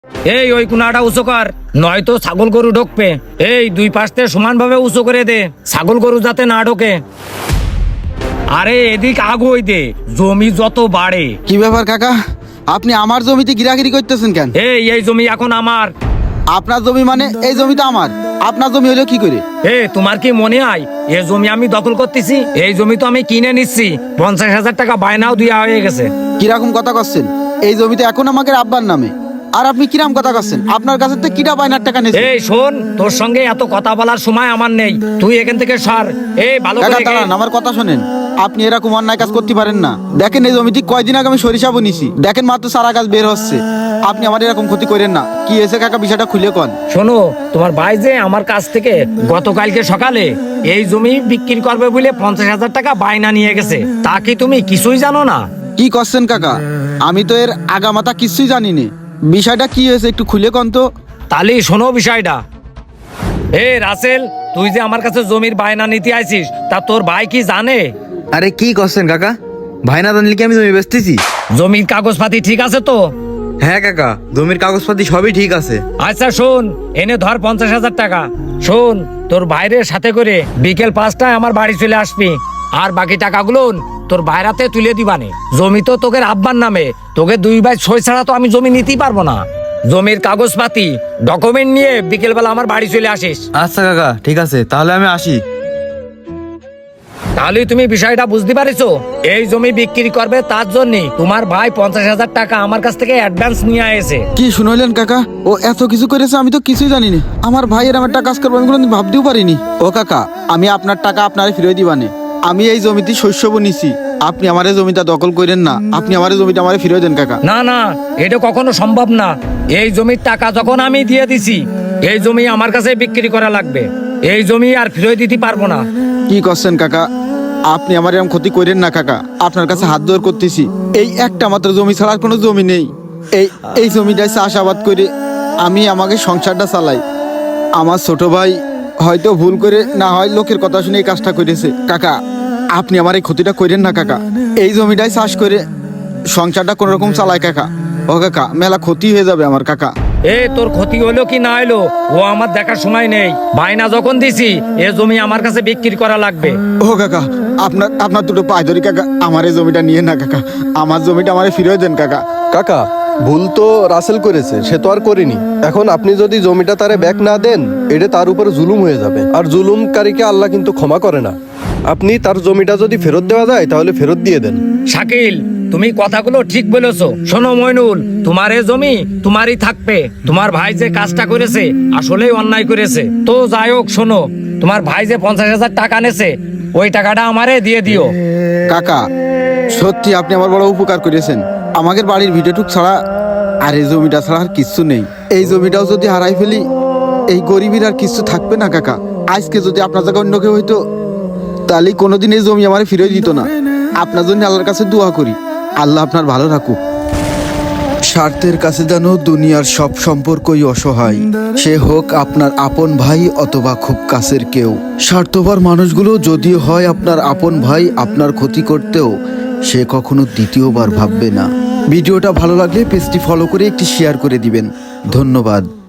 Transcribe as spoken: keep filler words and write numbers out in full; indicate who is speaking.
Speaker 1: এই ওই কোনাটা উঁচু কর, নয়তো ছাগল গরু ঢুকবে। এই দুই পাশে সমান ভাবে উঁচু করে দে, ছাগল গরু যাতে না ঢোকে। আরে এদিক আগুই দে, জমি যত বাড়ে।
Speaker 2: কি ব্যাপার কাকা, আপনি আমার জমিতে গিরাগিরি করতেছেন কেন?
Speaker 1: এই এই জমি এখন আমার।
Speaker 2: আপনার জমি মানে এই জমিটা আমার, আপনার জমি হলো কি করে?
Speaker 1: এ তোমার কি মনে হয় এই জমি আমি দখল করতেছি? এই জমি তো আমি কিনে নিচ্ছি, পঞ্চাশ হাজার টাকা বায়নাও দেওয়া হয়ে গেছে।
Speaker 2: কিরকম কথা করছেন? এই জমিতে এখন আমাকে আব্বার নামে, আর আপনি কিরাম কথা করছেন? আপনার কাছে তো কিটা বায়নার টাকা নিয়েছে?
Speaker 1: এই শোন, তোর সঙ্গে এত কথা বলার সময় আমার নেই, তুই এখান থেকে সর। এই ভালো
Speaker 2: কাকা
Speaker 1: করে
Speaker 2: দাঁড়ান, আমার কথা শোনেন। আপনি এরকম অন্যায় কাজ করতে পারেন না। দেখেন এই জমিটি কয়দিন আগে আমি সরিষা বুনিছি, দেখেন মাত্র সারা গাছ বের হচ্ছে। আপনি আমার এরকম ক্ষতি করেন না। কি এসে কাকা, বিষয়টা খুলে কন।
Speaker 1: শোনো, তোমার ভাই যে আমার কাছ থেকে গতকালকে সকালে এই জমি বিক্রি করবে বলে পঞ্চাশ হাজার টাকা বায়না নিয়ে গেছে, তা কি তুমি কিছুই জানো না?
Speaker 2: কি করছেন কাকা? আমি তো এর আগামাতা কিছুই জানি না। বিষয়টা কি হয়েছে একটু খুলে কন তো।
Speaker 1: তাহলে শোনো বিষয়টা। এ রাসেল, তুই যে আমার কাছে জমির বায়না নিতে আইছিস, তা তোর ভাই কি জানে?
Speaker 3: আরে কি করছেন কাকা? ভাই না জানলে কি আমি জমি বেচতেছি?
Speaker 1: জমির কাগজপাতি ঠিক আছে তো?
Speaker 3: হ্যাঁ কাকা, জমির কাগজপাতি সবই ঠিক আছে।
Speaker 1: আচ্ছা শোন, এনে ধর পঞ্চাশ হাজার টাকা। শোন, তোর বাইরের সাথে করে বিকেল পাঁচটায় আমার বাড়ি চলে আসবি, আর বাকি টাকাগুলো তোর বাইরাতে তুলে দিবানে। জমি তো তোকে আব্বার নামে, তোকে দুই ভাই সই ছাড়া তো আমি জমি নিতেই পারবো না। জমির কাগজপাতি ডকুমেন্ট নিয়ে বিকেল বেলা আমার বাড়ি চলে আসিস।
Speaker 3: আচ্ছা কাকা, ঠিক আছে, তাহলে আমি আসি।
Speaker 1: তাহলে তুমি বিষয়টা বুঝতে পারিছো? এই জমি বিক্রি করবে, তার জন্য তোমার ভাই পঞ্চাশ হাজার টাকা আমার কাছ থেকে অ্যাডভান্স নিয়ে এসে।
Speaker 2: কি শুনলেন কাকা? ও এত কিছু করেছে, আমি তো কিছুই জানি না। আমার ভাইয়ের আমার টাকা কাজ করবো আমি কোনোদিন ভাবতেও পারিনি। ও কাকা, আমি আপনার টাকা আপনারে ফিরিয়ে দিবানে। আমি এই জমিতে শস্য বুনিছি, আপনি আমার এই জমিটা দখল করেন না। আপনি আমার এই জমিটা আমারে ফিরিয়ে দেন কাকা।
Speaker 1: না না, এটা কখনো সম্ভব না। এই জমির টাকা যখন আমি দিয়ে দিছি, এই জমি আমার কাছে বিক্রি করা লাগবে। এই জমি আর ফিরিয়ে দিতে পারবো না।
Speaker 2: কি করছেন কাকা? আপনি আমার এরকম ক্ষতি করেন না কাকা, আপনার কাছে হাত জোর করতেছি। এই একটা মাত্র জমি ছাড়া আর কোনো জমি নেই। এই এই জমিটায় চাষাবাদ করে আমি আমাকে সংসারটা চালাই। আমার ছোট ভাই হয়তো ভুল করে, না হয় লোকের কথা শুনে এই কাজটা করেছে। কাকা, আপনি আমার এই ক্ষতিটা করেন না কাকা। এই জমিটায় চাষ করে সংসারটা কোন রকম চালায় কাকা। ও কাকা, মেলা ক্ষতি হয়ে যাবে আমার কাকা।
Speaker 1: এ তোর ক্ষতি হলো কি না হলো ও আমার দেখার সময় নেই। বায়না যখন দিছি, এ জমি আমার কাছে বিক্রি করা লাগবে।
Speaker 2: ও কাকা, আপনার আপনার দুটো পায়ে ধরি কাকা, আমার এই জমিটা নিয়ে না কাকা। আমার জমিটা আমারে ফিরিয়ে দেন কাকা।
Speaker 4: কাকা, ভুল তো রাসেল করেছে, সে তো আর করেনি। এখন আপনি যদি জমিটা তারে ব্যাক না দেন, এটা তার উপরে জুলুম হয়ে যাবে, আর জুলুমকারীকে আল্লাহ কিন্তু ক্ষমা করে না। আপনি তার জমিটা যদি ফেরত দেওয়া যায় তাহলে ফেরত দিয়ে দেন।
Speaker 1: শাকিল, তুমি কথাগুলো ঠিক বলেছো। শোনো মইনুল, তোমার এই জমি তোমারই থাকবে। তোমার ভাই যে কাজটা করেছে আসলেই অন্যায় করেছে। তো যাই হোক, শোনো, তোমার ভাই যে পঞ্চাশ হাজার টাকা নেছে, ওই টাকাটা আমারে দিয়ে দিও।
Speaker 2: কাকা, সত্যি আপনি আমার বড় উপকার করেছেন। আমাদের বাড়ির ভিটেটুক ছাড়া আর এই জমিটা ছাড়া আর কিচ্ছু নেই। এই জমিটাও যদি হারাই ফেলি, এই গরিবের আর কিছু থাকবে না কাকা। আজকে যদি আপনার জায়গায় অন্য কেউ হইতো, তাহলে কোনোদিন এই জমি আমার ফিরে দিত না। আপনার জন্য আল্লাহর কাছে দোয়া করি, আল্লাহ আপনার ভালো রাখুক। স্বার্থের কাছে যেন দুনিয়ার সব সম্পর্কই অসহায়, সে হোক আপনার আপন ভাই অথবা খুব কাছের কেউ। স্বার্থপর মানুষগুলো যদিও হয় আপনার আপন ভাই, আপনার ক্ষতি করতেও সে কখনো দ্বিতীয়বার ভাববে না। ভিডিওটা ভালো লাগলে পেজটি ফলো করে একটি শেয়ার করে দিবেন। ধন্যবাদ।